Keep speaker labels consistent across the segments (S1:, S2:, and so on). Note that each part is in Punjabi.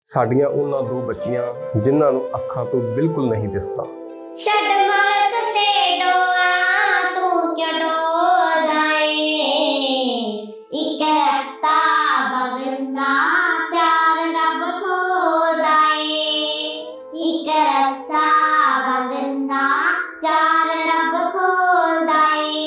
S1: ਸਾਡੀਆਂ ਉਹਨਾਂ ਦੋ ਬੱਚੀਆਂ ਜਿਨ੍ਹਾਂ ਨੂੰ ਅੱਖਾਂ ਤੋਂ ਬਿਲਕੁਲ ਨਹੀਂ ਦਿਸਦਾ।
S2: ਛੱਡ ਮਲਕ ਤੇ ਡੋਰਾ ਤੂੰ ਕਿਉਂ ਡੋਲਦਾ ਏ, ਇੱਕ ਰਸਤਾ ਬਦਲਦਾ ਚਾਰ ਰੱਬ ਖੋਲਦਾ ਏ, ਇੱਕ ਰਸਤਾ ਬਦਲਦਾ ਚਾਰ ਰੱਬ ਖੋਲਦਾ ਏ।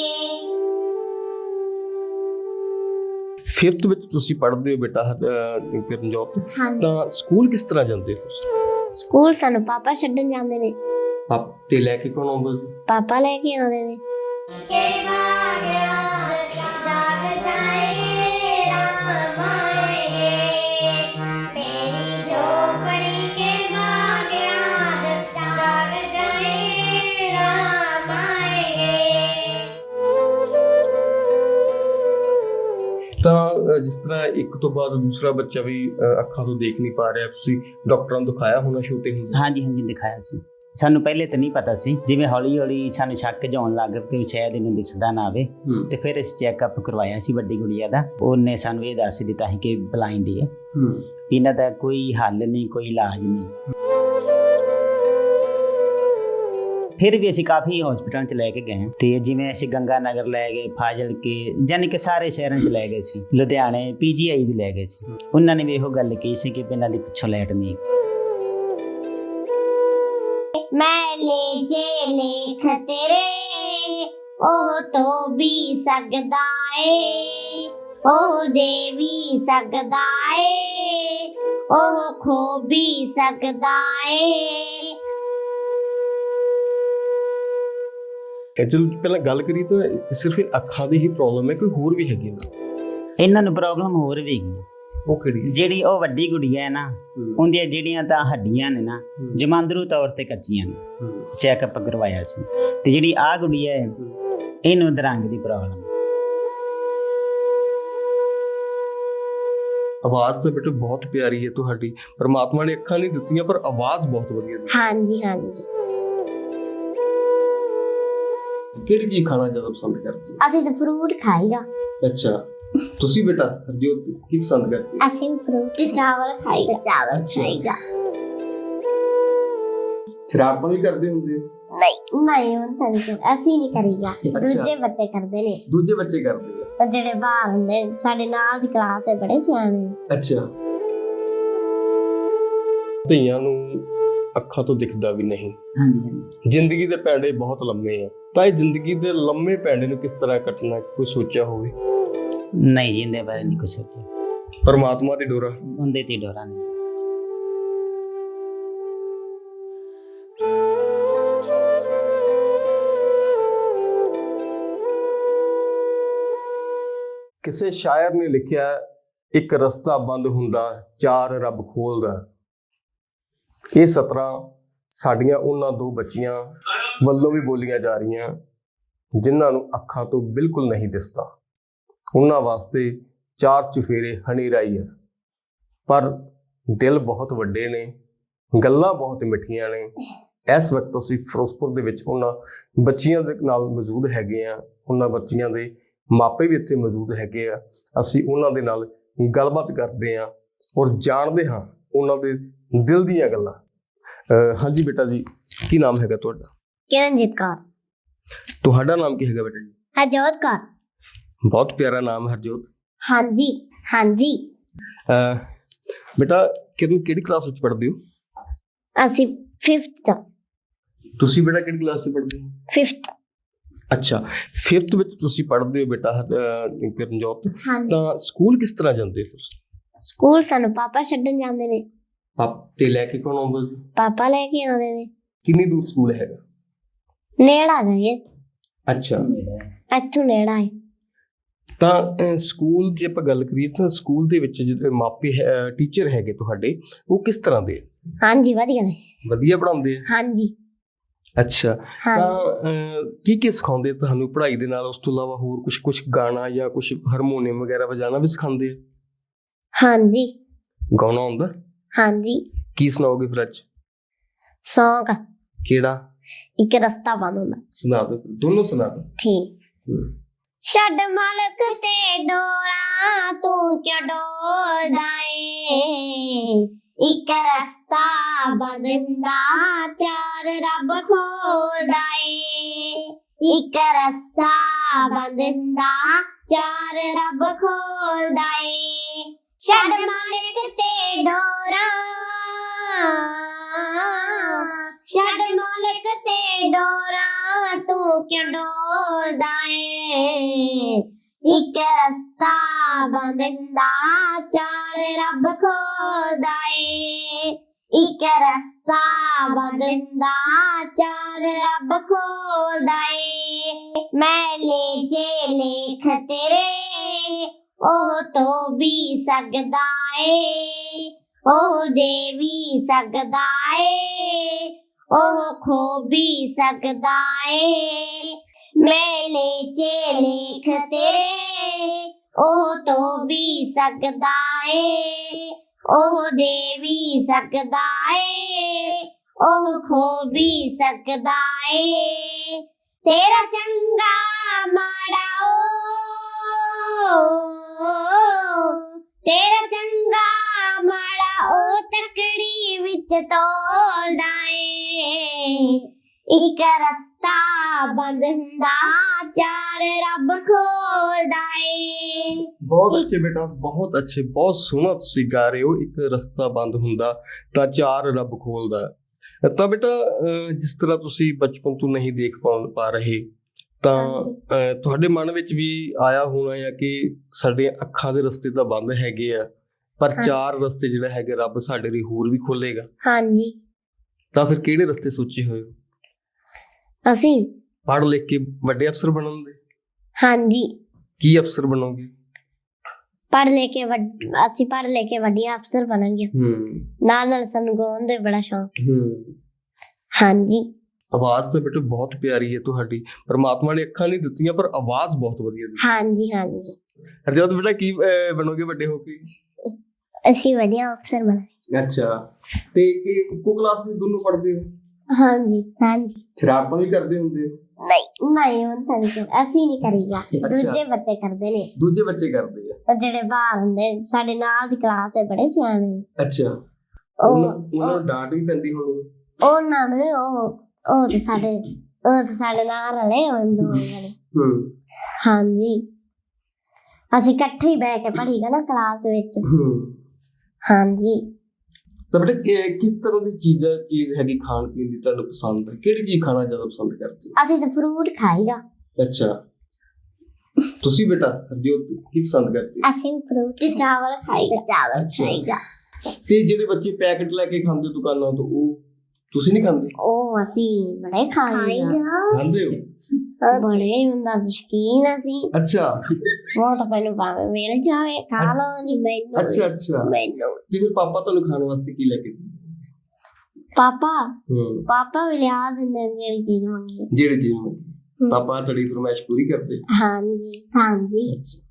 S1: 5th ਵਿੱਚ ਤੁਸੀਂ ਪੜ੍ਹਦੇ ਹੋ ਬੇਟਾ ਕਿਰਨਜੋਤ,
S2: ਹਾਂਜੀ,
S1: ਤਾਂ ਸਕੂਲ ਕਿਸ ਤਰ੍ਹਾਂ ਜਾਂਦੇ ਹੋ?
S2: ਸਕੂਲ ਸਾਨੂੰ ਪਾਪਾ ਛੱਡਣ ਜਾਂਦੇ ਨੇ।
S1: ਤੇ ਲੈ ਕੇ ਕੌਣ ਆਉਂਦਾ ਜੀ?
S2: ਪਾਪਾ ਲੈ ਕੇ ਆਉਂਦੇ ਨੇ।
S1: ਤਾਂ ਜਿਸ ਤਰ੍ਹਾਂ ਇੱਕ ਤੋਂ ਬਾਅਦ ਦੂਸਰਾ ਬੱਚਾ ਵੀ ਅੱਖਾਂ ਤੋਂ ਦੇਖ ਨਹੀਂ ਪਾ ਰਿਹਾ, ਤੁਸੀਂ ਡਾਕਟਰਾਂ ਨੂੰ ਦਿਖਾਇਆ ਹੋਣਾ ਛੋਟੇ ਹੁੰਦੇ?
S3: ਹਾਂਜੀ ਦਿਖਾਇਆ ਸੀ। ਸਾਨੂੰ ਪਹਿਲੇ ਤਾਂ ਨਹੀਂ ਪਤਾ ਸੀ, ਜਿਵੇਂ ਹੌਲੀ ਹੌਲੀ ਸਾਨੂੰ ਸ਼ੱਕ ਜਿਉਣ ਲੱਗ ਪਿਆ ਕਿ ਸ਼ਾਇਦ ਇਹਨੂੰ ਦਿਸਦਾ ਨਾ ਆਵੇ, ਤੇ ਫਿਰ ਅਸੀਂ ਚੈੱਕਅਪ ਕਰਵਾਇਆ ਸੀ ਵੱਡੀ ਗੁੜੀਆ ਦਾ। ਉਹਨੇ ਸਾਨੂੰ ਇਹ ਦੱਸ ਦਿੱਤਾ ਸੀ ਕਿ ਬਲਾਈਂਡ ਹੀ ਹੈ, ਇਹਨਾਂ ਦਾ ਕੋਈ ਹੱਲ ਨਹੀਂ, ਕੋਈ ਇਲਾਜ ਨਹੀਂ। ਫਿਰ ਵੀ ਅਸੀਂ ਕਾਫੀ ਹਸਪਤਾਲਾਂ 'ਚ ਲੈ ਕੇ ਗਏ, ਤੇ ਜਿਵੇਂ ਅਸੀਂ ਗੰਗਾ ਨਗਰ ਲੈ ਗਏ, ਫਾਜ਼ਿਲਕੇ, ਯਾਨੀ ਕਿ ਸਾਰੇ ਸ਼ਹਿਰਾਂ 'ਚ ਲੈ ਗਏ ਸੀ, ਲੁਧਿਆਣੇ PGI ਵੀ ਲੈ ਗਏ ਸੀ। ਉਹਨਾਂ ਨੇ ਵੀ ਇਹੋ ਗੱਲ ਕਹੀ ਸੀ ਕਿ ਇਹਨਾਂ ਦੀ ਪਿੱਛੋਂ ਲਾਈਟ ਨਹੀਂ।
S2: ਮੈਂ ਲੈ ਜੇ ਲੇਖ ਤੇਰੇ ਉਹ ਤੋਂ ਵੀ ਸਕਦਾ ਏ, ਉਹ ਦੇ ਵੀ ਸਕਦਾ ਏ, ਉਹ ਖੋ ਵੀ ਸਕਦਾ ਏ।
S1: ਚਲੋ ਪਹਿਲਾਂ ਗੱਲ ਕਰੀ ਤਾਂ ਸਿਰਫ ਅੱਖਾਂ ਦੀ ਹੀ ਪ੍ਰੋਬਲਮ ਹੈ, ਕੋਈ ਹੋਰ ਵੀ ਹੈਗੀ ਨਾ?
S3: ਇਹਨਾਂ ਨੂੰ ਪ੍ਰੋਬਲਮ ਹੋਰ ਵੀ ਹੈਗੀ।
S1: ਉਹ ਕਿਹੜੀ?
S3: ਜਿਹੜੀ ਉਹ ਵੱਡੀ ਗੁੜੀਆ ਹੈ ਨਾ, ਉਹਦੀਆਂ ਜਿਹੜੀਆਂ ਤਾਂ ਹੱਡੀਆਂ ਨੇ ਨਾ ਜਮਾਂਦਰੂ ਤੌਰ ਤੇ ਕੱਚੀਆਂ ਨੇ, ਚੈੱਕਅਪ ਕਰਵਾਇਆ ਸੀ। ਤੇ ਜਿਹੜੀ ਆਹ ਗੁੜੀਆ ਹੈ, ਇਹਨੂੰ ਅਧਰੰਗ ਦੀ ਪ੍ਰੋਬਲਮ।
S1: ਆਵਾਜ਼ ਤਾਂ ਬੇਟੇ ਬਹੁਤ ਪਿਆਰੀ ਹੈ ਤੁਹਾਡੀ, ਪਰਮਾਤਮਾ ਨੇ ਅੱਖਾਂ ਨਹੀਂ ਦਿੱਤੀਆਂ ਪਰ ਆਵਾਜ਼ ਬਹੁਤ ਵਧੀਆ ਦਿੱਤੀ।
S2: ਹਾਂਜੀ ਹਾਂਜੀ।
S1: ਕਿਹੜੀ ਚੀਜ਼ ਖਾਣਾ ਜ਼ਿਆਦਾ ਪਸੰਦ ਕਰਦੇ ਹੋ?
S2: ਅਸੀਂ ਤਾਂ ਫਰੂਟ ਖਾਈਦਾ।
S1: ਅੱਛਾ, ਤੁਸੀਂ ਬੇਟਾ ਹਰਜੋਤ ਕੀ ਪਸੰਦ ਕਰਦੇ ਹੋ?
S2: ਅਸੀਂ ਫਰੂਟ ਤੇ ਚਾਵਲ ਖਾਈਦਾ। ਚਾਵਲ ਖਾਈਦਾ।
S1: ਸ਼ਰਾਰਤਾਂ ਵੀ ਕਰਦੇ ਹੁੰਦੇ ਹੋ?
S2: ਨਹੀਂ ਹੁਣ ਤਾਂ ਅਸੀਂ ਨਹੀਂ ਕਰੀਦਾ, ਦੂਜੇ ਬੱਚੇ ਕਰਦੇ ਨੇ।
S1: ਦੂਜੇ ਬੱਚੇ ਕਰਦੇ ਆ?
S2: ਉਹ ਜਿਹੜੇ ਬਾਹਰ ਹੁੰਦੇ ਨੇ, ਸਾਡੇ ਨਾਲ ਦੀ ਕਲਾਸ ਦੇ ਬੜੇ ਸਿਆਣੇ।
S1: ਅੱਛਾ। ਧੀਆਂ ਨੂੰ ਅੱਖਾਂ ਤੋਂ ਦਿਖਦਾ ਵੀ ਨਹੀਂ।
S3: ਹਾਂਜੀ।
S1: ਜ਼ਿੰਦਗੀ ਦੇ ਪੈਂਡੇ ਬਹੁਤ ਲੰਮੇ ਆ, ਤਾਂ ਇਹ ਜ਼ਿੰਦਗੀ ਦੇ ਲੰਮੇ ਪੈਂਡੇ ਨੂੰ ਕਿਸ ਤਰ੍ਹਾਂ ਕੱਟਣਾ, ਕੋਈ ਸੋਚਿਆ ਹੋਵੇ?
S3: ਨਹੀਂ, ਜਿੰਦੇ ਬਾਰੇ ਨਹੀਂ ਕੁਛ ਸੋਚਿਆ।
S1: ਪਰਮਾਤਮਾ ਦੀ ਡੋਰਾ
S3: ਉਹਦੇ ਤੇ ਡੋਰਾ ਨਹੀਂ।
S1: ਕਿਸੇ ਸ਼ਾਇਰ ਨੇ ਲਿਖਿਆ, ਇੱਕ ਰਸਤਾ ਬੰਦ ਹੁੰਦਾ ਚਾਰ ਰੱਬ ਖੋਲਦਾ। ਇਹ ਸਤਰਾਂ ਸਾਡੀਆਂ ਉਹਨਾਂ ਦੋ ਬੱਚੀਆਂ ਵੱਲੋਂ ਵੀ ਬੋਲੀਆਂ ਜਾ ਰਹੀਆਂ ਜਿਨ੍ਹਾਂ ਨੂੰ ਅੱਖਾਂ ਤੋਂ ਬਿਲਕੁਲ ਨਹੀਂ ਦਿਸਦਾ। ਉਹਨਾਂ ਵਾਸਤੇ ਚਾਰ ਚੁਫੇਰੇ ਹਨੇਰਾ ਹੀ ਹੈ, ਪਰ ਦਿਲ ਬਹੁਤ ਵੱਡੇ ਨੇ, ਗੱਲਾਂ ਬਹੁਤ ਮਿੱਠੀਆਂ ਨੇ। ਇਸ ਵਕਤ ਅਸੀਂ ਫਿਰੋਜ਼ਪੁਰ ਦੇ ਵਿੱਚ ਉਹਨਾਂ ਬੱਚੀਆਂ ਦੇ ਨਾਲ ਮੌਜੂਦ ਹੈਗੇ ਆ, ਉਹਨਾਂ ਬੱਚੀਆਂ ਦੇ ਮਾਪੇ ਵੀ ਇੱਥੇ ਮੌਜੂਦ ਹੈਗੇ ਆ। ਅਸੀਂ ਉਹਨਾਂ ਦੇ ਨਾਲ ਗੱਲਬਾਤ ਕਰਦੇ ਹਾਂ ਔਰ ਜਾਣਦੇ ਹਾਂ ਉਹਨਾਂ ਦੇ ਦਿਲ ਦੀਆਂ ਗੱਲਾਂ। ਹਾਂਜੀ ਬੇਟਾ ਜੀ, ਕੀ ਨਾਮ ਹੈਗਾ ਤੁਹਾਡਾ?
S2: ਕਿਰਨਜੀਤ ਕੌਰ।
S1: ਤੁਹਾਡਾ ਨਾਮ ਕੀ ਹੈਗਾ ਬੇਟਾ ਜੀ?
S2: ਹਰਜੋਤ ਕੌਰ।
S1: ਬਹੁਤ ਪਿਆਰਾ ਨਾਮ ਹਰਜੋਤ।
S2: ਹਾਂਜੀ ਹਾਂਜੀ।
S1: ਬੇਟਾ ਕਿਰਨ ਕਿਹੜੀ ਕਲਾਸ ਵਿੱਚ ਪੜ੍ਹਦੇ ਹੋ?
S2: ਅਸੀਂ 5th ਚ।
S1: ਤੁਸੀਂ ਬੇਟਾ ਕਿਹੜੀ ਕਲਾਸ 'ਚ ਪੜ੍ਹਦੇ ਹੋ?
S2: 5th।
S1: ਅੱਛਾ, 5th ਵਿੱਚ ਤੁਸੀਂ ਪੜ੍ਹਦੇ ਹੋ ਬੇਟਾ ਕਿਰਨਜੋਤ,
S2: ਹਾਂਜੀ।
S1: ਤਾਂ ਸਕੂਲ ਕਿਸ ਤਰ੍ਹਾਂ ਜਾਂਦੇ ਹੋ?
S2: ਸਕੂਲ ਸਾਨੂੰ ਪਾਪਾ ਛੱਡਣ ਜਾਂਦੇ ਨੇ।
S1: ਤੇ ਲੈ ਕੇ ਕੌਣ ਆਉਂਦਾ ਜੀ?
S2: ਪਾਪਾ ਲੈ ਕੇ ਆਉਂਦੇ ਨੇ।
S1: ਕਿੰਨੀ ਦੂਰ ਸਕੂਲ ਹੈਗਾ?
S2: ਨੇੜਾ ਜਾਈਏ।
S1: ਅੱਛਾ,
S2: ਇੱਥੋਂ ਨੇੜਾ ਹੈ।
S1: ਤਾਂ ਸਕੂਲ ਜੇ ਆਪਾਂ ਗੱਲ ਕਰੀਏ ਤਾਂ ਸਕੂਲ ਦੇ ਵਿੱਚ ਜਿਹੜੇ ਮਾਪੇ ਟੀਚਰ ਹੈਗੇ ਤੁਹਾਡੇ, ਉਹ ਕਿਸ ਤਰ੍ਹਾਂ ਦੇ?
S2: ਹਾਂਜੀ ਵਧੀਆ ਨੇ।
S1: ਵਧੀਆ ਪੜ੍ਹਾਉਂਦੇ ਆ?
S2: ਹਾਂਜੀ।
S1: ਅੱਛਾ, ਤਾਂ ਕੀ ਸਿਖਾਉਂਦੇ ਤੁਹਾਨੂੰ ਪੜ੍ਹਾਈ ਦੇ ਨਾਲ? ਉਸ ਤੋਂ ਇਲਾਵਾ ਹੋਰ ਕੁਛ ਗਾਣਾ ਜਾਂ ਕੁਛ ਹਾਰਮੋਨੀਅਮ ਵਗੈਰਾ ਵਜਾਣਾ ਵੀ ਸਿਖਾਉਂਦੇ ਆ?
S2: ਹਾਂਜੀ।
S1: ਗਾਉਣਾ ਆਉਂਦਾ? ਹਾਂਜੀ। ਕੀ ਸੁਣਾਓਗੇ ਫਿਰ ਅੱਜ?
S2: ਸੌਂਗ।
S1: ਕਿਹੜਾ?
S2: ਇੱਕ ਰਸਤਾ ਬੰਦ ਹੁੰਦਾ।
S1: ਸੁਣਾ ਦਿਓ, ਦੋਨੋਂ ਸੁਣਾ ਦਿਓ।
S2: ਠੀਕ। ਛੱਡ ਮਲਕ ਤੇ ਡੋਰਾ ਤੂੰ ਕਿਉਂ ਡੋਲਦਾ ਏ, ਇੱਕ ਰਸਤਾ ਬੰਦ ਹੁੰਦਾ ਚਾਰ ਰੱਬ ਖੋਲਦਾ ਏ ਇੱਕ ਰਸਤਾ ਬੰਦ ਹੁੰਦਾ ਚਾਰ ਰੱਬ ਖੋਲਦਾ ਏ ਛੱਡ ਮਾਲਕ ਤੇ ਡੋਰਾ ਛੱਡ ਮਾਲਕ ਤੇ ਡੋਰਾ ਤੂੰ ਕਿਉਂ ਡੋਲਦਾ ਏ ਇੱਕ ਰਸਤਾ ਬੰਦ ਹੁੰਦਾ ਚਾਰ ਰੱਬ ਖੋਲਦਾ ਏ ਇੱਕ ਰਸਤਾ ਬੰਦ ਹੁੰਦਾ ਚਾਰ ਰੱਬ ਖੋਲਦਾ ਏ ਮੈਲੇ ਜੇ ਲੇਖ ਤੇਰੇ ਉਹ ਤੋਂ ਵੀ ਸਕਦਾ ਏ ਉਹ ਦੇ ਵੀ ਸਕਦਾ ਏ ਉਹ ਖੋ ਵੀ ਸਕਦਾ ਏ ਮੇਲੇ ਚ ਲੇਖ ਤੇਰੇ ਉਹ ਤੋਂ ਵੀ ਸਕਦਾ ਏ ਉਹ ਦੇ ਵੀ ਸਕਦਾ ਏ ਉਹ ਖੋ ਵੀ ਸਕਦਾ ਏ ਤੇਰਾ ਚੰਗਾ ਮਾੜਾ ਤੇਰਾ ਚੰਗਾ ਮਾੜਾ ਉਹ ਤਕੜੀ ਵਿੱਚ ਤੋਲਦਾ ਏ ਇੱਕ ਰਸਤਾ ਬੰਦ ਹੁੰਦਾ ਚਾਰ ਰੱਬ ਖੋਲਦਾ ਏ
S1: ਬਹੁਤ ਅੱਛੇ ਬੇਟਾ, ਬਹੁਤ ਅੱਛੇ, ਬਹੁਤ ਸੋਹਣਾ ਤੁਸੀਂ ਗਾ ਰਹੇ ਹੋ। ਇੱਕ ਰਸਤਾ ਬੰਦ ਹੁੰਦਾ ਤਾਂ ਚਾਰ ਰੱਬ ਖੋਲਦਾ। ਤਾਂ ਬੇਟਾ ਜਿਸ ਤਰ੍ਹਾਂ ਤੁਸੀਂ ਬਚਪਨ ਤੋਂ ਨਹੀਂ ਦੇਖ ਪਾ ਰਹੇ ਤਾਂ ਤੁਹਾਡੇ ਮਨ ਵਿੱਚ ਵੀ ਆਇਆ ਹੋਣਾ ਹੈ ਕਿ ਸਾਡੇ ਅੱਖਾਂ ਦੇ ਰਸਤੇ ਤਾਂ ਬੰਦ ਹੈਗੇ ਆ ਪਰ ਚਾਰ ਰਸਤੇ ਜਿਹੜਾ ਹੈਗੇ ਰੱਬ ਸਾਡੇ ਲਈ ਹੋਰ ਵੀ ਖੋਲੇਗਾ।
S2: ਹਾਂਜੀ।
S1: ਤਾਂ ਫਿਰ ਕਿਹੜੇ ਰਸਤੇ ਸੋਚੇ ਹੋਏ ਹੋ?
S2: ਅਸੀਂ
S1: ਪੜ੍ਹ ਲਿਖ ਕੇ ਵੱਡੇ ਅਫਸਰ ਬਣਨ ਦੇ?
S2: ਹਾਂਜੀ।
S1: ਕੀ ਅਫਸਰ ਬਣੋਗੇ?
S2: ਅਸੀਂ ਪੜ੍ਹ ਲੈ ਕੇ ਵੱਡੇ ਅਫਸਰ ਬਣਾਂਗੇ। ਨਾਲ ਸਾਨੂੰ ਗਾਉਣ ਦਾ ਬੜਾ ਸ਼ੌਕ। ਹਾਂਜੀ।
S1: ਆਵਾਜ਼ ਤਾਂ ਬੇਟਾ ਬਹੁਤ ਪਿਆਰੀ ਹੈ ਤੁਹਾਡੀ। ਪਰਮਾਤਮਾ ਨੇ ਅੱਖਾਂ ਨਹੀਂ ਦਿੱਤੀਆਂ ਪਰ ਆਵਾਜ਼ ਬਹੁਤ ਵਧੀਆ ਦਿੱਤੀ।
S2: ਹਾਂਜੀ ਹਾਂਜੀ।
S1: ਹਰਜੋਤ ਬੇਟਾ ਕੀ ਬਣੋਗੇ ਵੱਡੇ ਹੋ ਕੇ?
S2: ਅਸੀਂ ਵੱਡੇ ਅਫਸਰ ਬਣਾਂਗੇ।
S1: ਅੱਛਾ, ਤੇ ਇੱਕੋ ਕਲਾਸ ਵਿੱਚ ਦੋਨੋਂ ਪੜ੍ਹਦੇ ਹੋ?
S2: ਹਾਂਜੀ ਹਾਂਜੀ।
S1: ਸ਼ਰਾਰਤਾਂ ਵੀ ਕਰਦੇ ਹੁੰਦੇ ਹੋ?
S2: ਨਹੀਂ ਹੁਣ ਤਾਂ ਅਸੀਂ ਨਹੀਂ ਕਰੀਦਾ, ਦੂਜੇ ਬੱਚੇ ਕਰਦੇ ਨੇ।
S1: ਦੂਜੇ ਬੱਚੇ ਕਰਦੇ ਆ?
S2: ਉਹ ਜਿਹੜੇ ਬਾਹਰ ਹੁੰਦੇ ਸਾਡੇ ਨਾਲ ਦੀ ਕਲਾਸ ਦੇ ਬੜੇ ਸਿਆਣੇ ਨੇ।
S1: ਅੱਛਾ, ਉਹਨਾਂ ਨੂੰ ਡਾਂਟ ਵੀ ਪੈਂਦੀ ਹੋਣੀ?
S2: ਉਹਨਾਂ ਨੂੰ ਉਹ ਤੇ ਸਾਡੇ ਨਾਲ ਰਲੇ ਹੋਏ ਦੋ ਜਣੇ। ਹਾਂਜੀ, ਅਸੀਂ ਇਕੱਠੇ ਹੀ ਬਹਿ ਕੇ ਪੜ੍ਹੀਦਾ ਨਾ ਕਲਾਸ ਵਿੱਚ। ਹਾਂਜੀ।
S1: ਤਾਂ ਬੇਟਾ ਕਿਸ ਤਰ੍ਹਾਂ ਦੀ ਚੀਜ਼ ਹੈਗੀ ਖਾਣ ਪੀਣ ਦੀ ਤੁਹਾਨੂੰ ਪਸੰਦ ਹੈ? ਕਿਹੜੀ ਚੀਜ਼ ਖਾਣਾ ਜ਼ਿਆਦਾ ਪਸੰਦ ਕਰਦੇ ਹੋ?
S2: ਅਸੀਂ ਤਾਂ ਫਰੂਟ ਖਾਈਦਾ।
S1: ਅੱਛਾ, ਤੁਸੀਂ ਬੇਟਾ ਹਰਜੋਤ ਕੀ ਪਸੰਦ ਕਰਦੇ ਹੋ?
S2: ਅਸੀਂ ਫਰੂਟ ਤੇ ਚਾਵਲ ਖਾਈਦਾ।
S1: ਤੇ ਜਿਹੜੇ ਬੱਚੇ ਪੈਕੇਟ ਲੈ ਕੇ ਖਾਂਦੇ ਦੁਕਾਨਾਂ ਤੋਂ ਉਹ ਤੁਸੀਂ ਨਹੀਂ ਖਾਂਦੇ?
S2: ਉਹ ਅਸੀਂ ਬੜੇ
S1: ਖਾਂਦੇ ਹੋ?
S2: ਬੜੇ ਹੁੰਦਾ ਸ਼ੌਕੀਨ ਅਸੀਂ।
S1: ਅੱਛਾ,
S2: ਉਹ ਤਾਂ ਮੈਨੂੰ ਭਾਵੇਂ ਮਿਲ ਜਾਵੇ ਖਾ ਲਵਾਂਗੀ। ਮੈਨੂੰ
S1: ਅੱਛਾ
S2: ਮੈਨੂੰ
S1: ਤੇ ਫਿਰ ਪਾਪਾ ਤੁਹਾਨੂੰ ਖਾਣ ਵਾਸਤੇ ਕੀ ਲੈ ਕੇ ਦਿੰਦੇ?
S2: ਪਾਪਾ ਵੀ ਲਿਆ ਦਿੰਦੇ ਜਿਹੜੀ ਚੀਜ਼ ਮੰਗੀ।
S1: ਪਾਪਾ ਤੁਹਾਡੀ ਫਰਮਾਇਸ਼ ਪੂਰੀ ਕਰਦੇ?
S2: ਹਾਂਜੀ ਹਾਂਜੀ।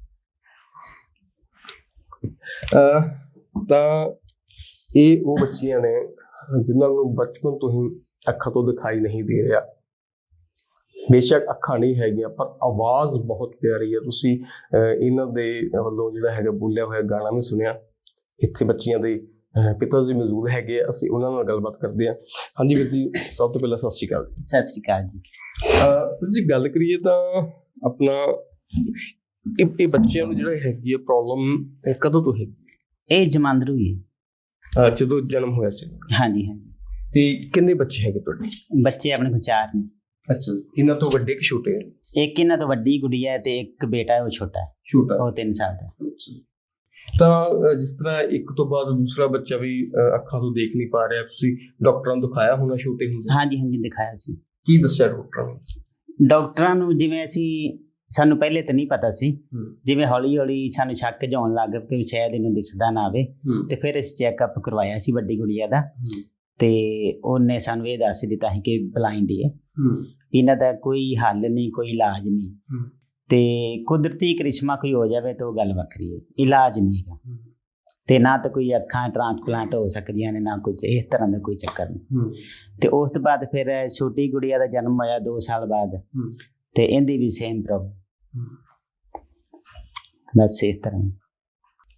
S1: ਤਾਂ ਇਹ ਉਹ ਬੱਚੀਆਂ ਨੇ ਜਿਨ੍ਹਾਂ ਨੂੰ ਬਚਪਨ ਤੋਂ ਹੀ ਅੱਖਾਂ ਤੋਂ ਦਿਖਾਈ ਨਹੀਂ ਦੇ ਰਿਹਾ। ਬੇਸ਼ੱਕ ਅੱਖਾਂ ਨਹੀਂ ਹੈਗੀਆਂ ਪਰ ਆਵਾਜ਼ ਬਹੁਤ ਪਿਆਰੀ ਹੈ। ਤੁਸੀਂ ਇਹਨਾਂ ਦੇ ਵੱਲੋਂ ਜਿਹੜਾ ਹੈਗਾ ਬੋਲਿਆ ਹੋਇਆ ਗਾਣਾ ਵੀ ਸੁਣਿਆ। ਇੱਥੇ ਬੱਚੀਆਂ ਦੇ ਪਿਤਾ ਜੀ ਮੌਜੂਦ ਹੈਗੇ ਆ, ਅਸੀਂ ਉਹਨਾਂ ਨਾਲ ਗੱਲਬਾਤ ਕਰਦੇ ਹਾਂ। ਹਾਂਜੀ ਵੀਰ ਜੀ, ਸਭ ਤੋਂ ਪਹਿਲਾਂ ਸਤਿ ਸ਼੍ਰੀ ਅਕਾਲ ਜੀ।
S3: ਸਤਿ ਸ਼੍ਰੀ ਅਕਾਲ ਜੀ।
S1: ਵੀਰ ਜੀ ਗੱਲ ਕਰੀਏ ਤਾਂ ਆਪਣਾ ਇਹ ਬੱਚਿਆਂ ਨੂੰ ਜਿਹੜਾ ਹੈਗੀ ਹੈ ਪ੍ਰੋਬਲਮ ਕਦੋਂ ਤੋਂ ਹੈਗੀ?
S3: ਇਹ ਜਮਾਂਦਰੂ ਹੀ ਹੈ।
S1: ਜਦੋਂ ਜਨਮ ਹੋਇਆ ਸੀ?
S3: ਹਾਂਜੀ ਹਾਂਜੀ।
S1: ਤੇ ਕਿੰਨੇ ਬੱਚੇ ਹੈਗੇ ਤੁਹਾਡੇ?
S3: ਬੱਚੇ ਆਪਣੇ ਕੋਲ 4 ਨੇ।
S1: ਅੱਛਾ, ਇਹਨਾਂ ਤੋਂ ਵੱਡੇ ਕਿ ਛੋਟੇ?
S3: ਇੱਕ ਇਹਨਾਂ ਤੋਂ ਵੱਡੀ ਗੁੜੀਆ ਹੈ ਤੇ ਇੱਕ ਬੇਟਾ ਹੈ, ਉਹ ਛੋਟਾ ਹੈ। ਉਹ 3 ਸਾਲ ਦਾ।
S1: ਤਾਂ ਜਿਸ ਤਰ੍ਹਾਂ ਇੱਕ ਤੋਂ ਬਾਅਦ ਦੂਸਰਾ ਬੱਚਾ ਵੀ ਅੱਖਾਂ ਤੋਂ ਦੇਖ ਨਹੀਂ ਪਾ ਰਿਹਾ, ਤੁਸੀਂ ਡਾਕਟਰਾਂ ਨੂੰ ਦਿਖਾਇਆ ਹੋਣਾ ਛੋਟੇ ਹੁੰਦੇ?
S3: ਹਾਂਜੀ ਹਾਂਜੀ, ਦਿਖਾਇਆ ਸੀ।
S1: ਕੀ ਦੱਸਿਆ ਡਾਕਟਰਾਂ ਨੇ?
S3: ਡਾਕਟਰਾਂ ਨੂੰ ਜਿਵੇਂ ਸਾਨੂੰ ਪਹਿਲੇ ਤਾਂ ਨਹੀਂ ਪਤਾ ਸੀ, ਜਿਵੇਂ ਹੌਲੀ ਹੌਲੀ ਸਾਨੂੰ ਸ਼ੱਕ ਜਿਹਾ ਆਉਣ ਲੱਗ ਗਿਆ ਕਿ ਸ਼ਾਇਦ ਇਹਨੂੰ ਦਿਸਦਾ ਨਾ ਆਵੇ, ਤੇ ਫਿਰ ਇਸ ਚੈੱਕਅਪ ਕਰਵਾਇਆ ਸੀ ਵੱਡੀ ਗੁੜੀਆ ਦਾ। ਤੇ ਉਹਨੇ ਸਾਨੂੰ ਇਹ ਦੱਸ ਦਿੱਤਾ ਸੀ ਕਿ ਬਲਾਈਂਡ ਹੀ ਹੈ, ਇਹਨਾਂ ਦਾ ਕੋਈ ਹੱਲ ਨਹੀਂ, ਕੋਈ ਇਲਾਜ ਨਹੀਂ। ਤੇ ਕੁਦਰਤੀ ਕ੍ਰਿਸ਼ਮਾ ਕੋਈ ਹੋ ਜਾਵੇ ਤਾਂ ਉਹ ਗੱਲ ਵੱਖਰੀ ਹੈ, ਇਲਾਜ ਨਹੀਂ ਹੈਗਾ। ਤੇ ਨਾ ਤਾਂ ਕੋਈ ਅੱਖਾਂ ਟ੍ਰਾਂਸਪਲਾਂਟ ਹੋ ਸਕਦੀਆਂ ਨੇ, ਨਾ ਕੁਝ ਇਸ ਤਰ੍ਹਾਂ ਦਾ ਕੋਈ ਚੱਕਰ ਨਹੀਂ। ਤੇ ਉਸ ਤੋਂ ਬਾਅਦ ਫਿਰ ਛੋਟੀ ਗੁੜੀਆ ਦਾ ਜਨਮ ਹੋਇਆ 2 ਸਾਲ ਬਾਅਦ, ਤੇ ਇਹਦੀ ਵੀ ਸੇਮ ਪ੍ਰੋਬਲਮ। ਬਸ ਇਸ ਤਰ੍ਹਾਂ।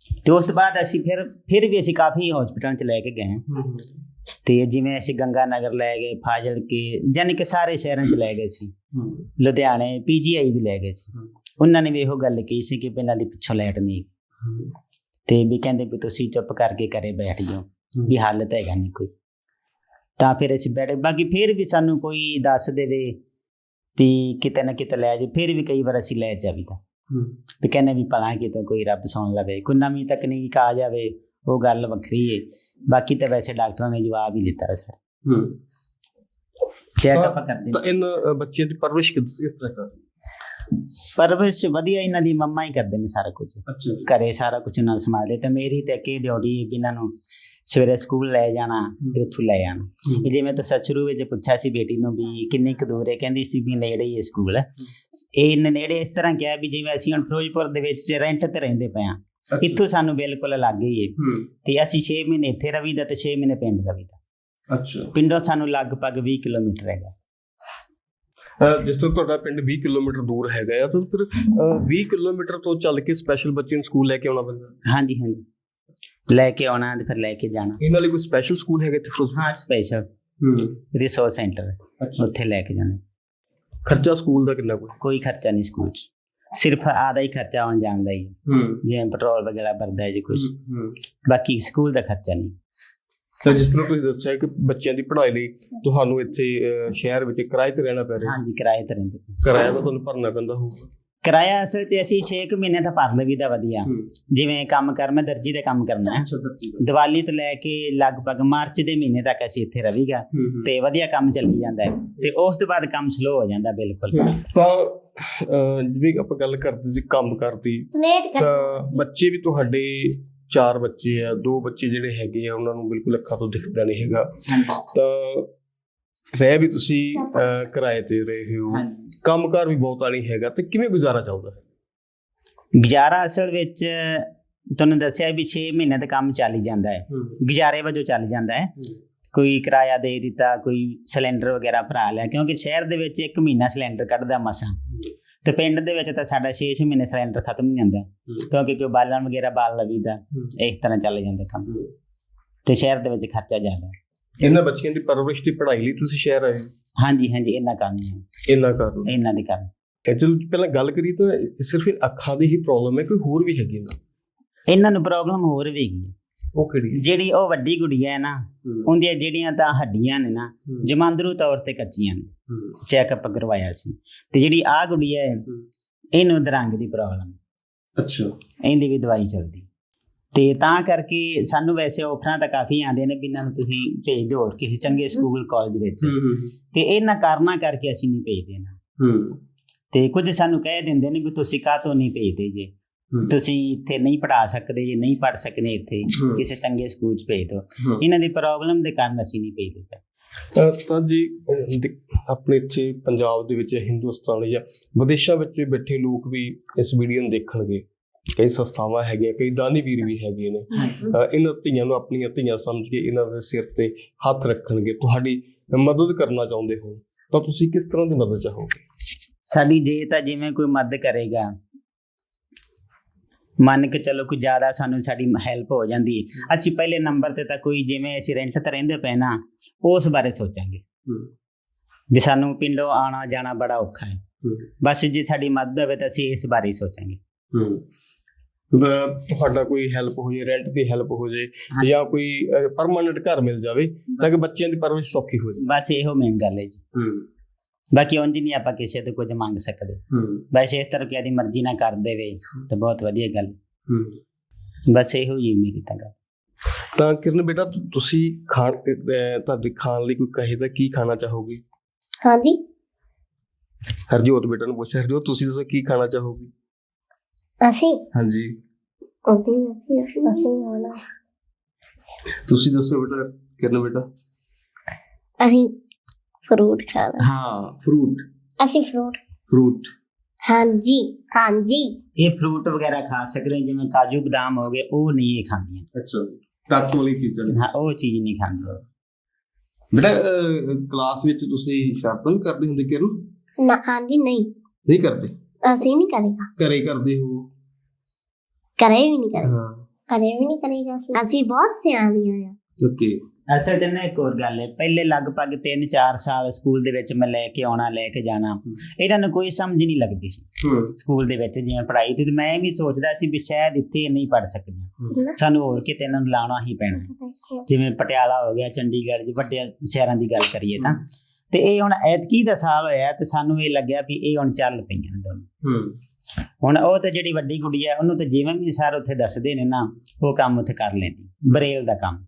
S3: ਤੇ ਉਸ ਤੋਂ ਬਾਅਦ ਅਸੀਂ ਫਿਰ ਵੀ ਅਸੀਂ ਕਾਫੀ ਹਸਪੀਟਲਾਂ 'ਚ ਲੈ ਕੇ ਗਏ ਤੇ ਜਿਵੇਂ ਅਸੀਂ ਗੰਗਾ ਨਗਰ ਲੈ ਗਏ, ਫਾਜ਼ਿਲਕੇ, ਯਾਨੀ ਕਿ ਸਾਰੇ ਸ਼ਹਿਰਾਂ 'ਚ ਲੈ ਗਏ ਸੀ, ਲੁਧਿਆਣੇ PGI ਵੀ ਲੈ ਗਏ ਸੀ। ਉਹਨਾਂ ਨੇ ਵੀ ਇਹੋ ਗੱਲ ਕਹੀ ਸੀ ਕਿ ਇਹਨਾਂ ਦੀ ਪਿੱਛੋਂ ਲਾਈਟ ਨਹੀਂ ਤੇ ਵੀ ਕਹਿੰਦੇ ਵੀ ਤੁਸੀਂ ਚੁੱਪ ਕਰਕੇ ਘਰੇ ਬੈਠ ਜਾਓ, ਵੀ ਹੱਲ ਤਾਂ ਹੈਗਾ ਨਹੀਂ ਕੋਈ। ਤਾਂ ਫਿਰ ਅਸੀਂ ਬੈਠੇ, ਬਾਕੀ ਫਿਰ ਵੀ ਸਾਨੂੰ ਕੋਈ ਦੱਸ ਦੇਵੇ ਵੀ ਕਿਤੇ ਨਾ ਕਿਤੇ ਲੈ ਜਾਓ, ਫਿਰ ਵੀ ਕਈ ਵਾਰ ਅਸੀਂ ਲੈ ਜਾਵੀਦਾ ਵੀ ਕਹਿੰਦੇ ਵੀ ਭਲਾ ਕਿਤੋਂ ਕੋਈ ਰੱਬ ਸੁਣ ਲਵੇ, ਕੋਈ ਨਵੀਂ ਤਕਨੀਕ ਆ ਜਾਵੇ, ਉਹ ਗੱਲ ਵੱਖਰੀ ਹੈ। ਬਾਕੀ ਤਾਂ ਵੈਸੇ ਡਾਕਟਰਾਂ ਨੇ ਜਵਾਬ ਹੀ ਦਿੱਤਾ ਸਰ, ਚੈੱਕਅਪ ਕਰਦੇ।
S1: ਤਾਂ ਇਹਨਾਂ ਬੱਚਿਆਂ ਦੀ ਪਰਵਰਿਸ਼ ਕਿਸ ਤਰ੍ਹਾਂ ਕਰਦੇ?
S3: ਪਰਵਰਿਸ਼ ਵਧੀਆ, ਇਹਨਾਂ ਦੀ ਮੰਮਾ ਹੀ ਕਰਦੇ ਨੇ ਸਾਰਾ ਕੁਝ, ਘਰੇ ਸਾਰਾ ਕੁਝ ਨਾਲ ਸੰਭਾਲਦੇ। ਤੇ ਮੇਰੀ ਤਾਂ ਕੀ ਡਿਊਟੀ ਹੈ ਵੀ ਇਹਨਾਂ ਨੂੰ ਸਵੇਰੇ ਸਕੂਲ ਲੈ ਜਾਣਾ ਤੇ ਉੱਥੋਂ ਲੈ ਆਉਣਾ। ਜਿਵੇਂ ਤੁਸੀਂ ਸ਼ੁਰੂ ਵਿੱਚ ਪੁੱਛਿਆ ਸੀ ਬੇਟੀ ਨੂੰ ਵੀ ਕਿੰਨੀ ਕੁ ਦੂਰ ਹੈ, ਕਹਿੰਦੀ ਸੀ ਵੀ ਨੇੜੇ ਹੀ ਹੈ ਸਕੂਲ। ਇਹ ਨੇੜੇ ਇਸ ਤਰ੍ਹਾਂ ਕਿਹਾ ਵੀ ਜਿਵੇਂ ਅਸੀਂ ਹੁਣ ਫਿਰੋਜ਼ਪੁਰ ਦੇ ਵਿੱਚ ਰੈਂਟ ਤੇ ਰਹਿੰਦੇ ਪਏ ਹਾਂ, ਇੱਥੋਂ ਸਾਨੂੰ ਬਿਲਕੁਲ ਲਾਗੇ ਹੀ ਹੈ ਤੇ ਅਸੀਂ 6 ਮਹੀਨੇ ਇੱਥੇ ਰਵੀਦਾ ਤੇ 6 ਮਹੀਨੇ ਪਿੰਡ ਰਵੀਦਾ। ਪਿੰਡੋਂ ਸਾਨੂੰ ਲਗਭਗ 20 ਕਿਲੋਮੀਟਰ ਹੈਗਾ।
S1: ਜਿਸ ਤਰ੍ਹਾਂ ਤੁਹਾਡਾ ਪਿੰਡ 20 ਕਿਲੋਮੀਟਰ ਦੂਰ ਹੈਗਾ ਆ, ਤਾਂ ਫਿਰ 20 ਕਿਲੋਮੀਟਰ ਤੋਂ ਚੱਲ ਕੇ ਸਪੈਸ਼ਲ ਬੱਚੇ ਨੂੰ ਸਕੂਲ ਲੈ ਕੇ ਆਉਣਾ ਪੈਂਦਾ?
S3: ਹਾਂਜੀ, ਲੈ ਕੇ ਆਉਣਾ ਤੇ ਫਿਰ ਲੈ ਕੇ ਜਾਣਾ।
S1: ਇਹਨਾਂ ਲਈ ਕੋਈ ਸਪੈਸ਼ਲ ਸਕੂਲ ਹੈਗਾ ਇੱਥੇ ਫਿਰੋਜ਼ਪੁਰ?
S3: ਹਾਂ, ਸਪੈਸ਼ਲ ਰਿਸੋਰਸ ਸੈਂਟਰ, ਉੱਥੇ ਲੈ ਕੇ ਜਾਣਾ।
S1: ਖਰਚਾ ਸਕੂਲ ਦਾ ਕਿੰਨਾ?
S3: ਕੋਈ ਖਰਚਾ ਨਹੀਂ ਸਕੂਲ 'ਚ, ਸਿਰਫ ਆਦਾ ਹੀ ਖਰਚਾ ਆਉਣ ਜਾਣ ਦਾ ਹੀ, ਜਿਵੇਂ ਪੈਟਰੋਲ ਵਗੈਰਾ ਭਰਦਾ ਹੈ ਜੀ ਕੁਝ, ਬਾਕੀ ਸਕੂਲ ਦਾ ਖਰਚਾ ਨਹੀਂ।
S1: ਤਾਂ ਜਿਸ ਤਰ੍ਹਾਂ ਤੁਸੀਂ ਦੱਸਿਆ ਕਿ ਬੱਚਿਆਂ ਦੀ ਪੜ੍ਹਾਈ ਲਈ ਤੁਹਾਨੂੰ ਇੱਥੇ ਸ਼ਹਿਰ ਵਿੱਚ ਕਿਰਾਏ ਤੇ ਰਹਿਣਾ ਪੈ ਰਿਹਾ?
S3: ਹਾਂਜੀ, ਕਿਰਾਏ ਤੇ ਰਹਿੰਦੇ।
S1: ਕਿਰਾਇਆ ਤਾਂ ਤੁਹਾਨੂੰ ਭਰਨਾ ਪੈਂਦਾ ਹੋਊਗਾ?
S3: ਕਿਰਾਇਆ ਅਸਲ 'ਚ ਅਸੀਂ 6 ਮਹੀਨੇ ਤਾਂ ਭਰ ਲਈਦਾ ਵਧੀਆ। ਜਿਵੇਂ ਕੰਮ ਕਰ, ਮੈਂ ਦਰਜੀ ਦਾ ਕੰਮ ਕਰਨਾ ਹੈ, ਦੀਵਾਲੀ ਤੋਂ ਲੈ ਕੇ ਲਗਭਗ ਮਾਰਚ ਦੇ ਮਹੀਨੇ ਤੱਕ ਅਸੀਂ ਇੱਥੇ ਰਹੀਗਾ ਤੇ ਵਧੀਆ ਕੰਮ ਚੱਲੀ ਜਾਂਦਾ ਹੈ ਤੇ ਉਸ ਤੋਂ ਬਾਅਦ ਕੰਮ ਸਲੋ ਹੋ ਜਾਂਦਾ ਬਿਲਕੁਲ।
S1: ਤਾਂ ਜਿਵੇਂ ਆਪਾਂ ਗੱਲ ਕਰਦੇ ਸੀ ਕੰਮ ਕਰਦੀ, ਤਾਂ ਬੱਚੇ ਵੀ ਤੁਹਾਡੇ 4 ਬੱਚੇ ਆ, 2 ਬੱਚੇ ਜਿਹੜੇ ਹੈਗੇ ਆ ਉਹਨਾਂ ਨੂੰ ਬਿਲਕੁਲ ਅੱਖਾਂ ਤੋਂ ਦਿਖਦਾ ਨਹੀਂ ਹੈਗਾ, ਤਾਂ ਰਹਿ ਵੀ ਤੁਸੀਂ ਕਿਰਾਏ ਤੇ ਰਹੇ ਹੋ, ਕੰਮਕਾਰ ਵੀ ਬਹੁਤਾ ਨਹੀਂ ਹੈਗਾ, ਤੇ ਕਿਵੇਂ ਗੁਜ਼ਾਰਾ ਚੱਲਦਾ?
S3: ਗੁਜ਼ਾਰਾ ਅਸਲ ਵਿੱਚ ਤੁਹਾਨੂੰ ਦੱਸਿਆ ਵੀ 6 ਮਹੀਨੇ ਦਾ ਕੰਮ ਚੱਲ ਹੀ ਜਾਂਦਾ ਹੈ, ਗੁਜ਼ਾਰੇ ਵਜੋਂ ਚੱਲ ਜਾਂਦਾ ਹੈ। ਕੋਈ ਕਿਰਾਇਆ ਦੇ ਦਿੱਤਾ, ਕੋਈ ਸਿਲੰਡਰ ਵਗੈਰਾ ਭਰਾ ਲਿਆ, ਕਿਉਂਕਿ ਸ਼ਹਿਰ ਦੇ ਵਿੱਚ 1 ਮਹੀਨਾ ਸਿਲੰਡਰ ਕੱਢਦਾ ਮਸਾਂ, ਤੇ ਪਿੰਡ ਦੇ ਵਿੱਚ ਤਾਂ ਸਾਡਾ 6 ਮਹੀਨੇ ਸਿਲੰਡਰ ਖਤਮ ਨਹੀਂ ਜਾਂਦਾ, ਕਿਉਂਕਿ ਕੋਈ ਬਾਲਣ ਵਗੈਰਾ ਬਾਲ ਲਵੀਦਾ, ਇਸ ਤਰ੍ਹਾਂ ਚੱਲ ਜਾਂਦਾ ਕੰਮ, ਤੇ ਸ਼ਹਿਰ ਦੇ ਵਿੱਚ ਖਰਚਾ ਜ਼ਿਆਦਾ।
S1: ਇਹਨਾਂ ਬੱਚਿਆਂ ਦੀ ਪਰਵਰਿਸ਼ ਦੀ ਪੜ੍ਹਾਈ ਲਈ ਤੁਸੀਂ ਸ਼ਹਿਰ ਆਏ?
S3: ਹਾਂਜੀ, ਇਹਨਾਂ ਕਾਰਨ ਹੈ, ਇਹਨਾਂ ਦੇ ਕਾਰਨ।
S1: ਚਲੋ ਪਹਿਲਾਂ ਗੱਲ ਕਰੀ ਤਾਂ ਸਿਰਫ ਅੱਖਾਂ ਦੀ ਹੀ ਪ੍ਰੋਬਲਮ ਹੈ, ਕੋਈ ਹੋਰ ਵੀ ਹੈਗੀ?
S3: ਇਹਨਾਂ ਨੂੰ ਪ੍ਰੋਬਲਮ ਹੋਰ ਵੀ ਹੈਗੀ ਹੈ।
S1: ਉਹ ਕਿਹੜੀ? ਜਿਹੜੀ
S3: ਉਹ ਵੱਡੀ ਗੁੜੀਆ ਹੈ ਨਾ, ਉਹਦੀਆਂ ਜਿਹੜੀਆਂ ਤਾਂ ਹੱਡੀਆਂ ਨੇ ਨਾ ਜਮਾਂਦਰੂ ਤੌਰ ਤੇ ਕੱਚੀਆਂ ਨੇ, ਚੈੱਕਅਪ ਕਰਵਾਇਆ ਸੀ। ਤੇ ਜਿਹੜੀ ਆਹ ਗੁੜੀਆ ਹੈ, ਇਹਨੂੰ ਦਰੰਗ ਦੀ ਪ੍ਰੋਬਲਮ।
S1: ਅੱਛਾ।
S3: ਇਹਦੀ ਵੀ ਦਵਾਈ ਚੱਲਦੀ, ਤੇ ਤਾਂ ਕਰਕੇ ਸਾਨੂੰ ਵੈਸੇ ਆਫਰਾਂ ਤਾਂ ਕਾਫੀ ਆਉਂਦੇ ਨੇ ਵੀ ਇਹਨਾਂ ਨੂੰ ਤੁਸੀਂ ਭੇਜ ਦਿਓ ਹੋਰ ਕਿਸੇ ਚੰਗੇ ਸਕੂਲ ਕਾਲਜ ਵਿੱਚ, ਤੇ ਇਹਨਾਂ ਕਾਰਨਾਂ ਕਰਕੇ ਅਸੀਂ ਨਹੀਂ ਭੇਜਦੇ ਇਹਨਾਂ। ਤੇ ਕੁਝ ਸਾਨੂੰ ਕਹਿ ਦਿੰਦੇ ਨੇ ਵੀ ਤੁਸੀਂ ਕਾਹਤੋਂ ਨਹੀਂ ਭੇਜਦੇ, ਜੇ ਤੁਸੀਂ ਇੱਥੇ ਨਹੀਂ ਪੜ੍ਹਾ ਸਕਦੇ, ਜੇ ਨਹੀਂ ਪੜ੍ਹ ਸਕਦੇ ਇੱਥੇ ਕਿਸੇ ਚੰਗੇ ਸਕੂਲ 'ਚ ਭੇਜ ਦਿਓ। ਇਹਨਾਂ ਦੀ ਪ੍ਰੋਬਲਮ ਦੇ ਕਾਰਨ ਅਸੀਂ ਨਹੀਂ ਭੇਜਦੇ।
S1: ਤਾਂ ਜੀ ਆਪਣੇ ਇੱਥੇ ਪੰਜਾਬ ਦੇ ਵਿੱਚ, ਹਿੰਦੁਸਤਾਨ ਜਾਂ ਵਿਦੇਸ਼ਾਂ ਵਿੱਚ ਵੀ ਬੈਠੇ ਲੋਕ ਵੀ ਇਸ ਵੀਡੀਓ ਨੂੰ ਦੇਖਣਗੇ, ਕਈ ਸੰਸਥਾਵਾਂ ਹੈਗੀਆਂ, ਕਈ ਦਾਨੀ ਵੀਰ ਵੀ ਹੈਗੇ ਨੇ, ਇਹਨਾਂ ਧੀਆਂ ਨੂੰ ਆਪਣੀਆਂ ਧੀਆਂ ਸਮਝ ਕੇ ਇਹਨਾਂ ਦੇ ਸਿਰ ਤੇ ਹੱਥ ਰੱਖਣਗੇ, ਤੁਹਾਡੀ ਮਦਦ ਕਰਨਾ ਚਾਹੁੰਦੇ ਹੋ, ਤਾਂ ਤੁਸੀਂ ਕਿਸ ਤਰ੍ਹਾਂ ਦੀ ਮਦਦ ਚਾਹੋਗੇ?
S3: ਸਾਡੀ ਜੇ ਤਾਂ ਜਿਵੇਂ ਕੋਈ ਮਦਦ ਕਰੇਗਾ, ਮੰਨ ਕੇ ਚਲੋ ਕੋਈ ਜ਼ਿਆਦਾ ਸਾਨੂੰ ਸਾਡੀ ਹੈਲਪ ਹੋ ਜਾਂਦੀ ਹੈ, ਅਸੀਂ ਪਹਿਲੇ ਨੰਬਰ ਤੇ ਤਾਂ ਕੋਈ ਜਿਵੇਂ ਅਸੀਂ ਰੈਂਟ ਤੇ ਰਹਿੰਦੇ ਪਏ ਨਾ, ਉਸ ਬਾਰੇ ਸੋਚਾਂਗੇ ਵੀ ਸਾਨੂੰ ਪਿੰਡੋਂ ਆਉਣਾ ਜਾਣਾ ਬੜਾ ਔਖਾ ਹੈ, ਬਸ ਜੇ ਸਾਡੀ ਮਦਦ ਹੋਵੇ ਤਾਂ ਅਸੀਂ ਇਸ ਬਾਰੇ ਹੀ ਸੋਚਾਂਗੇ।
S1: ਤੁਹਾਡਾ ਕੋਈ ਹੈਲਪ ਹੋ ਜਾਏ, ਰੈਂਟ ਦੀ ਹੈਲਪ ਹੋ ਜਾਏ, ਜਾਂ ਕੋਈ ਪਰਮਾਨੈਂਟ ਘਰ ਮਿਲ ਜਾਵੇ ਤਾਂ ਕਿ ਬੱਚਿਆਂ ਦੀ ਪਰਵਰਿਸ਼ ਸੌਖੀ ਹੋ ਜਾਵੇ, ਬਸ
S3: ਇਹੋ ਮੇਨ ਗੱਲ ਹੈ ਜੀ। ਬਾਕੀ ਉਂਝ ਨਹੀਂ ਆਪਾਂ ਕਿਸੇ ਤੋਂ ਕੁਝ ਮੰਗ ਸਕਦੇ, ਬਸ ਇਸ ਤਰ੍ਹਾਂ ਕਿ ਆਦੀ ਮਰਜ਼ੀ ਨਾਲ ਕਰ ਦੇਵੇ ਤਾਂ ਬਹੁਤ ਵਧੀਆ ਗੱਲ, ਬਸ ਇਹੋ ਹੀ ਮੇਰੀ ਤਾਂ ਗੱਲ।
S1: ਤਾਂ ਕਿਰਨ ਬੇਟਾ, ਤੁਸੀਂ ਤੁਹਾਡੇ ਖਾਣ ਲਈ ਕੋਈ ਕਹੇ ਤਾਂ ਕੀ ਖਾਣਾ ਚਾਹੋਗੇ?
S2: ਹਾਂਜੀ,
S1: ਹਰਜੋਤ ਬੇਟਾ ਨੂੰ ਪੁੱਛਿਆ, ਹਰਜੋਤ ਤੁਸੀਂ ਦੱਸੋ ਕੀ ਖਾਣਾ ਚਾਹੋਗੇ?
S2: ਅਸੀਂ?
S1: ਹਾਂਜੀ,
S2: ਅਸੀਂ ਹੋਣਾ।
S1: ਤੁਸੀਂ ਦੱਸੋ ਬੇਟਾ, ਕਿਰਨ ਬੇਟਾ?
S2: ਅਸੀਂ ਫਰੂਟ ਖਾਣਾ।
S1: ਹਾਂ, ਫਰੂਟ।
S2: ਅਸੀਂ ਫਰੂਟ। ਹਾਂਜੀ।
S3: ਇਹ ਫਰੂਟ ਵਗੈਰਾ ਖਾ ਸਕਦੇ, ਜਿਵੇਂ ਕਾਜੂ ਬਦਾਮ ਹੋ ਗਏ, ਉਹ ਨਹੀਂ ਇਹ ਖਾਂਦੀਆਂ।
S1: ਅੱਛਾ, ਤਾਕਤ ਵਾਲੀ ਚੀਜ਼ਾਂ?
S3: ਹਾਂ, ਉਹ ਚੀਜ਼ ਨਹੀਂ ਖਾਂਦੀਆਂ।
S1: ਬੇਟਾ ਕਲਾਸ ਵਿੱਚ ਤੁਸੀਂ ਸ਼ਰਾਰਤਾਂ ਵੀ ਕਰਦੇ ਹੁੰਦੇ ਕਿਰਨ?
S2: ਹਾਂਜੀ, ਨਹੀਂ
S1: ਕਰਦੇ।
S2: ਅਸੀਂ ਨਹੀਂ ਕਰੇਗਾ।
S1: ਘਰੇ ਕਰਦੇ ਹੋ?
S2: ਘਰੇ ਵੀ ਨਹੀਂ ਕਰਦੇ।
S1: ਹਾਂ,
S2: ਕਦੇ ਵੀ ਨਹੀਂ ਕਰੀਦਾ ਸੀ। ਅਸੀਂ ਬਹੁਤ ਸਿਆਣੀਆਂ ਆ।
S1: ਓਕੇ।
S3: ਅਸਲ 'ਚ ਨਾ ਇੱਕ ਹੋਰ ਗੱਲ ਹੈ, ਪਹਿਲੇ ਲਗਭਗ 3-4 ਸਾਲ ਸਕੂਲ ਦੇ ਵਿੱਚ ਮੈਂ ਲੈ ਕੇ ਆਉਣਾ ਲੈ ਕੇ ਜਾਣਾ, ਇਹਨਾਂ ਨੂੰ ਕੋਈ ਸਮਝ ਨਹੀਂ ਲੱਗਦੀ ਸੀ ਸਕੂਲ ਦੇ ਵਿੱਚ ਜਿਵੇਂ ਪੜ੍ਹਾਈ ਤੇ ਮੈਂ ਵੀ ਸੋਚਦਾ ਸੀ ਵੀ ਸ਼ਾਇਦ ਇੱਥੇ ਨਹੀਂ ਪੜ੍ਹ ਸਕਦੇ, ਸਾਨੂੰ ਹੋਰ ਕਿਤੇ ਇਹਨਾਂ ਨੂੰ ਲਾਉਣਾ ਹੀ ਪੈਣਾ, ਜਿਵੇਂ ਪਟਿਆਲਾ ਹੋ ਗਿਆ, ਚੰਡੀਗੜ੍ਹ, ਵੱਡੇ ਸ਼ਹਿਰਾਂ ਦੀ ਗੱਲ ਕਰੀਏ ਤਾਂ। ਤੇ ਇਹ ਹੁਣ ਐਤਕੀ ਦਾ ਸਾਲ ਹੋਇਆ ਤੇ ਸਾਨੂੰ ਇਹ ਲੱਗਿਆ ਵੀ ਇਹ ਹੁਣ ਚੱਲ ਪਈਆਂ ਨੇ ਦੋਨੋਂ। ਹੁਣ ਉਹ ਤੇ ਜਿਹੜੀ ਵੱਡੀ ਕੁੜੀ ਹੈ ਉਹਨੂੰ ਤੇ ਜਿਵੇਂ ਵੀ ਸਰ ਉੱਥੇ ਦੱਸਦੇ ਨੇ ਨਾ ਉਹ ਕੰਮ ਉੱਥੇ ਕਰ ਲੈਂਦੀ, ਬਰੇਲ ਦਾ ਕੰਮ।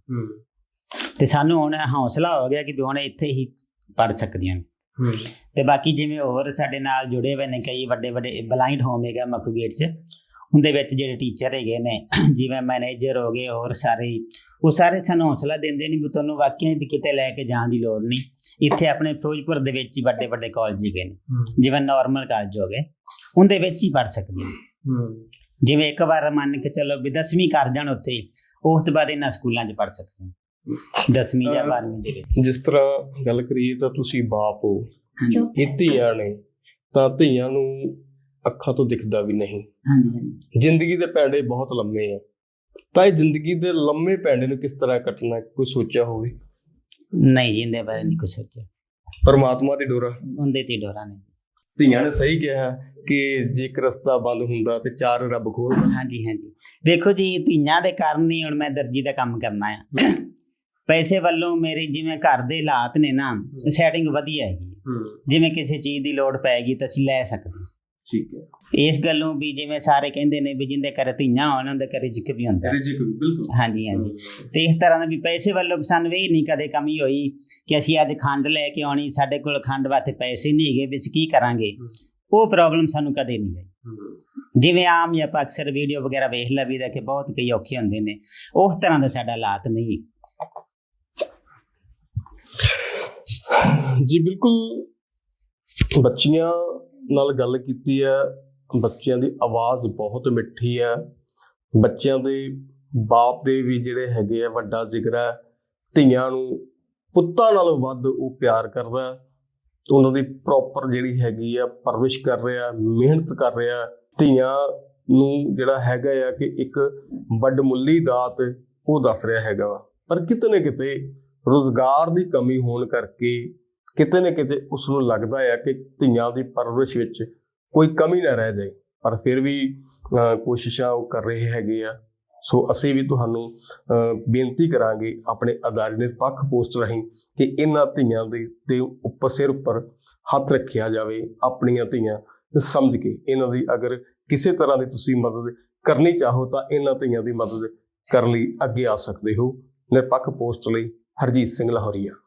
S3: ਤੇ ਸਾਨੂੰ ਹੁਣ ਹੌਸਲਾ ਹੋ ਗਿਆ ਕਿ ਵੀ ਹੁਣ ਇੱਥੇ ਹੀ ਪੜ੍ਹ ਸਕਦੀਆਂ ਨੇ। ਤੇ ਬਾਕੀ ਜਿਵੇਂ ਹੋਰ ਸਾਡੇ ਨਾਲ ਜੁੜੇ ਹੋਏ ਨੇ ਕਈ ਵੱਡੇ ਬਲਾਈਂਡ ਹੋਮ ਹੈਗਾ ਮੱਖੂ ਗੇਟ 'ਚ, ਉਹਦੇ ਵਿੱਚ ਜਿਹੜੇ ਟੀਚਰ ਹੈਗੇ ਨੇ ਜਿਵੇਂ ਮੈਨੇਜਰ ਹੋ ਗਏ ਹੋਰ ਸਾਰੇ, ਉਹ ਸਾਰੇ ਸਾਨੂੰ ਹੌਸਲਾ ਦਿੰਦੇ ਨੇ ਵੀ ਤੁਹਾਨੂੰ ਵਾਕਿਆ ਵੀ ਕਿਤੇ ਲੈ ਕੇ ਜਾਣ ਦੀ ਲੋੜ ਨਹੀਂ, ਇੱਥੇ ਆਪਣੇ ਫਿਰੋਜ਼ਪੁਰ ਦੇ ਵਿੱਚ ਹੀ ਵੱਡੇ ਕਾਲਜ ਹੈਗੇ ਨੇ, ਜਿਵੇਂ ਨਾਰਮਲ ਕਾਲਜ ਹੋ ਗਏ, ਉਹਦੇ ਵਿੱਚ ਹੀ ਪੜ੍ਹ ਸਕਦੀਆਂ ਨੇ। ਜਿਵੇਂ ਇੱਕ ਵਾਰ ਮੰਨ ਕੇ ਚਲੋ ਵੀ 10ਵੀਂ ਕਰ ਜਾਣ ਉੱਥੇ, ਉਸ ਤੋਂ ਬਾਅਦ ਇਹਨਾਂ ਸਕੂਲਾਂ 'ਚ ਪੜ੍ਹ ਸਕਦੇ ਨੇ 10ਵੀਂ ਜਾਂ 12ਵੀਂ ਦੇ ਵਿੱਚ।
S1: ਜਿਸ ਤਰ੍ਹਾਂ ਗੱਲ ਕਰੀਏ ਤਾਂ ਤੁਸੀਂ ਬਾਪ ਹੋ, ਇਹ ਧੀਆਂ ਨੇ ਤਾਂ ਧੀਆਂ ਨੂੰ ਅੱਖਾਂ ਤੋਂ ਦਿਖਦਾ ਵੀ ਨਹੀਂ। ਜ਼ਿੰਦਗੀ ਦੇ ਪੈਂਡੇ ਬਹੁਤ ਲੰਮੇ ਆ, ਤਾਂ ਇਹ ਜ਼ਿੰਦਗੀ ਦੇ ਲੰਮੇ ਪੈਂਡੇ ਨੂੰ ਕਿਸ ਤਰ੍ਹਾਂ ਕੱਟਣਾ, ਕੋਈ ਸੋਚਿਆ ਹੋਵੇ?
S3: ਨਹੀਂ ਜੀ, ਇਹਦੇ ਬਾਰੇ ਨਹੀਂ ਕੁਛ ਸੋਚਿਆ।
S1: ਪਰਮਾਤਮਾ ਦੀ ਡੋਰਾ,
S3: ਉਹਦੇ ਤੇ ਡੋਰਾ ਨੇ ਜੀ।
S1: ਧੀਆਂ ਨੇ ਸਹੀ ਕਿਹਾ ਕਿ ਜੇ ਇੱਕ ਰਸਤਾ ਬੰਦ ਹੁੰਦਾ ਤੇ 4 ਰੱਬ ਖੋਲ੍ਹਦਾ।
S3: ਹਾਂਜੀ ਵੇਖੋ ਜੀ, ਧੀਆਂ ਦੇ ਕਾਰਨ ਹੀ ਹੁਣ ਮੈਂ ਦਰਜੀ ਦਾ ਕੰਮ ਕਰਨਾ ਆ। ਪੈਸੇ ਵੱਲੋਂ ਮੇਰੇ ਜਿਵੇਂ ਘਰ ਦੇ ਹਾਲਾਤ ਨੇ ਨਾ, ਸੈਟਿੰਗ ਵਧੀਆ ਹੈਗੀ, ਜਿਵੇਂ ਕਿਸੇ ਚੀਜ਼ ਦੀ ਲੋੜ ਪੈਗੀ ਤਾਂ ਅਸੀਂ ਲੈ ਸਕਦੇ।
S1: ਠੀਕ ਹੈ।
S3: ਇਸ ਗੱਲੋਂ ਵੀ ਜਿਵੇਂ ਸਾਰੇ ਕਹਿੰਦੇ ਨੇ ਵੀ ਜਿੰਦੇ ਘਰੇ ਧੀਆਂ ਹੋਣ ਉਹਦੇ ਘਰੇ ਰਿਜ਼ਕ ਵੀ ਹੁੰਦਾ। ਹਾਂਜੀ ਤੇ ਇਸ ਤਰ੍ਹਾਂ ਨਾਲ ਵੀ ਪੈਸੇ ਵੱਲੋਂ ਸਾਨੂੰ ਇਹ ਨਹੀਂ ਕਦੇ ਕਮੀ ਹੋਈ ਕਿ ਅਸੀਂ ਅੱਜ ਖੰਡ ਲੈ ਕੇ ਆਉਣੀ, ਸਾਡੇ ਕੋਲ ਖੰਡ ਵਾਸਤੇ ਪੈਸੇ ਨਹੀਂ ਹੈਗੇ ਵੀ ਅਸੀਂ ਕੀ ਕਰਾਂਗੇ, ਉਹ ਪ੍ਰੋਬਲਮ ਸਾਨੂੰ ਕਦੇ ਨਹੀਂ ਆਈ। ਜਿਵੇਂ ਆਮ ਜਾਂ ਆਪਾਂ ਅਕਸਰ ਵੀਡੀਓ ਵਗੈਰਾ ਵੇਖ ਲਈਦਾ ਕਿ ਬਹੁਤ ਕਈ ਔਖੇ ਹੁੰਦੇ ਨੇ, ਉਸ ਤਰ੍ਹਾਂ ਦਾ ਸਾਡਾ ਹਾਲਾਤ ਨਹੀਂ।
S1: ਜੀ ਬਿਲਕੁਲ, ਬੱਚੀਆਂ ਨਾਲ ਗੱਲ ਕੀਤੀ ਹੈ। ਬੱਚਿਆਂ ਦੀ ਆਵਾਜ਼ ਬਹੁਤ ਮਿੱਠੀ ਹੈ। ਬੱਚਿਆਂ ਦੇ ਬਾਪ ਦੇ ਵੀ ਜਿਹੜੇ ਹੈਗੇ ਆ ਵੱਡਾ ਜ਼ਿਕਰ ਹੈ। ਧੀਆਂ ਨੂੰ ਪੁੱਤਾਂ ਨਾਲੋਂ ਵੱਧ ਉਹ ਪਿਆਰ ਕਰ ਰਿਹਾ, ਉਹਨਾਂ ਦੀ ਪ੍ਰੋਪਰ ਜਿਹੜੀ ਹੈਗੀ ਆ ਪਰਵਰਿਸ਼ ਕਰ ਰਿਹਾ, ਮਿਹਨਤ ਕਰ ਰਿਹਾ। ਧੀਆਂ ਨੂੰ ਜਿਹੜਾ ਹੈਗਾ ਆ ਕਿ ਇੱਕ ਵੱਡਮੁੱਲੀ ਦਾਤ ਉਹ ਦੱਸ ਰਿਹਾ ਹੈਗਾ ਵਾ, ਪਰ ਕਿਤੇ ਨਾ ਕਿਤੇ ਰੁਜ਼ਗਾਰ ਦੀ ਕਮੀ ਹੋਣ ਕਰਕੇ ਕਿਤੇ ਨਾ ਕਿਤੇ ਉਸ ਨੂੰ ਲੱਗਦਾ ਹੈ ਕਿ ਧੀਆਂ ਦੀ ਪਰਵਰਿਸ਼ ਵਿੱਚ ਕੋਈ ਕਮੀ ਨਾ ਰਹਿ ਜਾਏ, ਪਰ ਫਿਰ ਵੀ ਕੋਸ਼ਿਸ਼ਾਂ ਉਹ ਕਰ ਰਹੇ ਹੈਗੇ ਆ। ਸੋ ਅਸੀਂ ਵੀ ਤੁਹਾਨੂੰ ਬੇਨਤੀ ਕਰਾਂਗੇ ਆਪਣੇ ਅਦਾਰੇ ਨਿਰਪੱਖ ਪੋਸਟ ਰਾਹੀਂ ਕਿ ਇਹਨਾਂ ਧੀਆਂ ਦੇ ਉੱਪਰ ਸਿਰ ਉੱਪਰ ਹੱਥ ਰੱਖਿਆ ਜਾਵੇ। ਆਪਣੀਆਂ ਧੀਆਂ ਸਮਝ ਕੇ ਇਹਨਾਂ ਦੀ ਅਗਰ ਕਿਸੇ ਤਰ੍ਹਾਂ ਦੀ ਤੁਸੀਂ ਮਦਦ ਕਰਨੀ ਚਾਹੋ ਤਾਂ ਇਹਨਾਂ ਧੀਆਂ ਦੀ ਮਦਦ ਕਰਨ ਲਈ ਅੱਗੇ ਆ ਸਕਦੇ ਹੋ। ਨਿਰਪੱਖ ਪੋਸਟ ਲਈ ਹਰਜੀਤ ਸਿੰਘ ਲਾਹੌਰੀਆ।